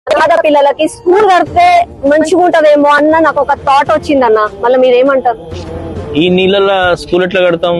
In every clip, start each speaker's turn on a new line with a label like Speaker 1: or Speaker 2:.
Speaker 1: పేద పిల్లలకి స్కూల్ కడితే మంచిగా ఉంటదేమో అన్న నాకు ఒక థాట్ వచ్చిందన్న. మళ్ళీ మీరేమంటారు?
Speaker 2: ఈ నీళ్ళ స్కూల్ ఎట్లా కడతాం?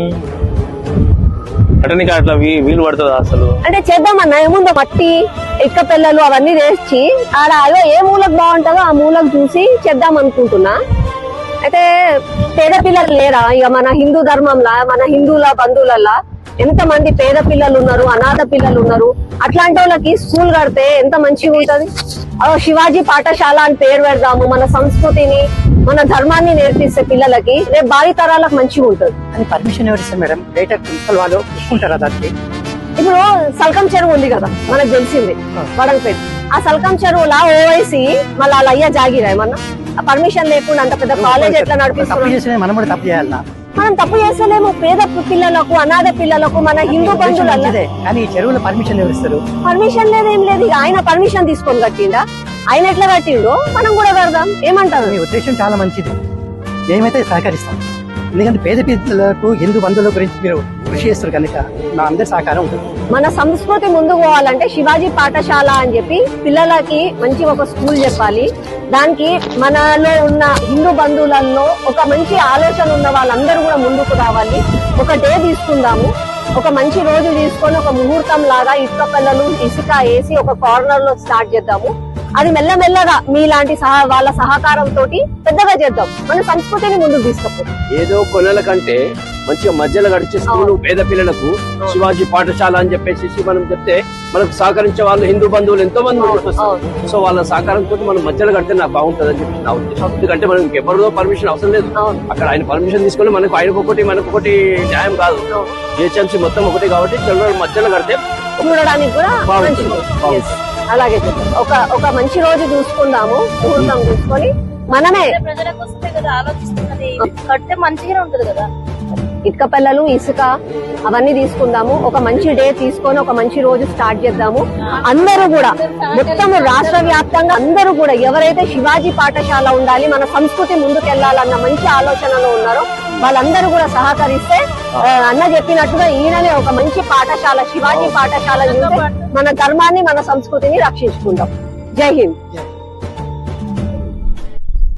Speaker 2: కట్టనికి అట్లా వీలు పడుతుందా అసలు?
Speaker 1: అంటే చేద్దామన్నా, ఏముందో మట్టి ఇక్క పిల్లలు అవన్నీ తెచ్చి ఆడ అదో ఏ మూలకు బాగుంటుందో ఆ మూలకు చూసి చేద్దాం అనుకుంటున్నా. అయితే పేద పిల్లలు లేరా? ఇక మన హిందూ ధర్మంలా, మన హిందువుల బంధువులల్లా ఎంత మంది పేద పిల్లలు ఉన్నారు, అనాథ పిల్లలు ఉన్నారు. అట్లాంటి వాళ్ళకి స్కూల్ కడితే ఎంత మంచిగా ఉంటది. శివాజీ పాఠశాల అని పేరు పెడదాము. మన సంస్కృతిని, మన ధర్మాన్ని నేర్పిస్తే పిల్లలకి రేపు భావి తరాలకు మంచిగా ఉంటది.
Speaker 3: అని పర్మిషన్ ఎవరు ఇస్తారు మేడం? బయట ప్రిన్సిపల్ వాళ్ళు చూసుకుంటారా దానికి?
Speaker 1: ఇప్పుడు సల్కం చెరువు ఉంది కదా, మనకు తెలిసింది వడలపేట. ఆ సల్కం చెరువులా ఓవైసీ మళ్ళీ వాళ్ళ అయ్యా జాగిరా ఏమన్నా పర్మిషన్ లేకుండా అంత పెద్ద కాలేజ్ ఎట్లా నడిపిస్తున్నాం?
Speaker 3: మనం కూడా తప్పు చేయాలన్నా?
Speaker 1: మనం తప్పు చేస్తలేము. పేద పిల్లలకు, అనాథ పిల్లలకు, మన హిందూ బంధువులు.
Speaker 3: కానీ ఈ చెరువులో పర్మిషన్ ఎవరు ఇస్తారు?
Speaker 1: పర్మిషన్ లేదేం లేదు. ఆయన పర్మిషన్ తీసుకొని కట్టిండా? ఆయన ఎట్లా కట్టిండో మనం కూడా కడదాం. ఏమంటారు?
Speaker 3: మీ ఉద్దేశం చాలా మంచిది, మేమైతే సహకరిస్తాం. ఎందుకంటే పేద పిల్లలకు, హిందూ బంధువుల గురించి మీరు కృషి చేస్తారు కనుక నా అందరి సహకారం ఉంటుంది.
Speaker 1: మన సంస్కృతి ముందుకు పోవాలంటే శివాజీ పాఠశాల అని చెప్పి పిల్లలకి మంచి ఒక స్కూల్ చెప్పాలి. దానికి మనలో ఉన్న హిందూ బంధువులలో ఒక మంచి ఆలోచన ఉన్న వాళ్ళందరూ కూడా ముందుకు రావాలి. ఒక డే తీసుకుందాము, ఒక మంచి రోజు తీసుకొని ఒక ముహూర్తం లాగా ఇటుక పిల్లలు ఇసుక వేసి ఒక కార్నర్ లో స్టార్ట్ చేద్దాము. అది మెల్లమెల్లగా మీలాంటి వాళ్ళ సహకారంతో పెద్దగా చేద్దాం. మన సంస్కృతిని ముందుకు తీసుకుపోతాం.
Speaker 4: ఏదో కొనల కంటే మంచిగా మధ్యలో గడిచే స్కూల్ పేద పిల్లలకు శివాజీ పాఠశాల అని చెప్పేసి మనం చెప్తే మనకు సహకరించే వాళ్ళు హిందూ బంధువులు ఎంతో మంది వస్తారు. సో వాళ్ళ సహకారంతో మనం మధ్యలో కడితే నాకు బాగుంటుంది అని చెప్పి నా ఉద్దేశం. ఎందుకంటే మనకి ఎవరిదో పర్మిషన్ అవసరం లేదు. అక్కడ ఆయన పర్మిషన్ తీసుకొని మనకు ఆయనకొకటి మనకొకటి న్యాయం కాదు. జిహెచ్ఎంసీ మొత్తం ఒకటి కాబట్టి మధ్యలో కడితే
Speaker 1: చూడడానికి కూడా అలాగే ఒక మంచి రోజు చూసుకుందాము, ముహూర్తం చూసుకొని మనమే
Speaker 5: ప్రజల కోసమే కదా ఆలోచిస్తున్నది. కడితే మంచిగానే ఉంటది కదా.
Speaker 1: ఇటుక పిల్లలు ఇసుక అవన్నీ తీసుకుందాము. ఒక మంచి డే తీసుకొని ఒక మంచి రోజు స్టార్ట్ చేద్దాము. అందరూ కూడా మొత్తం రాష్ట్ర వ్యాప్తంగా అందరూ కూడా ఎవరైతే శివాజీ పాఠశాల ఉండాలి, మన సంస్కృతి ముందుకెళ్లాలన్న మంచి ఆలోచనలో ఉన్నారో వాళ్ళందరూ కూడా సహకరిస్తే అన్న చెప్పినట్టుగా ఈయననే ఒక మంచి పాఠశాల, శివాజీ పాఠశాల మన ధర్మాన్ని, మన సంస్కృతిని రక్షించుకుందాం. జై హింద్.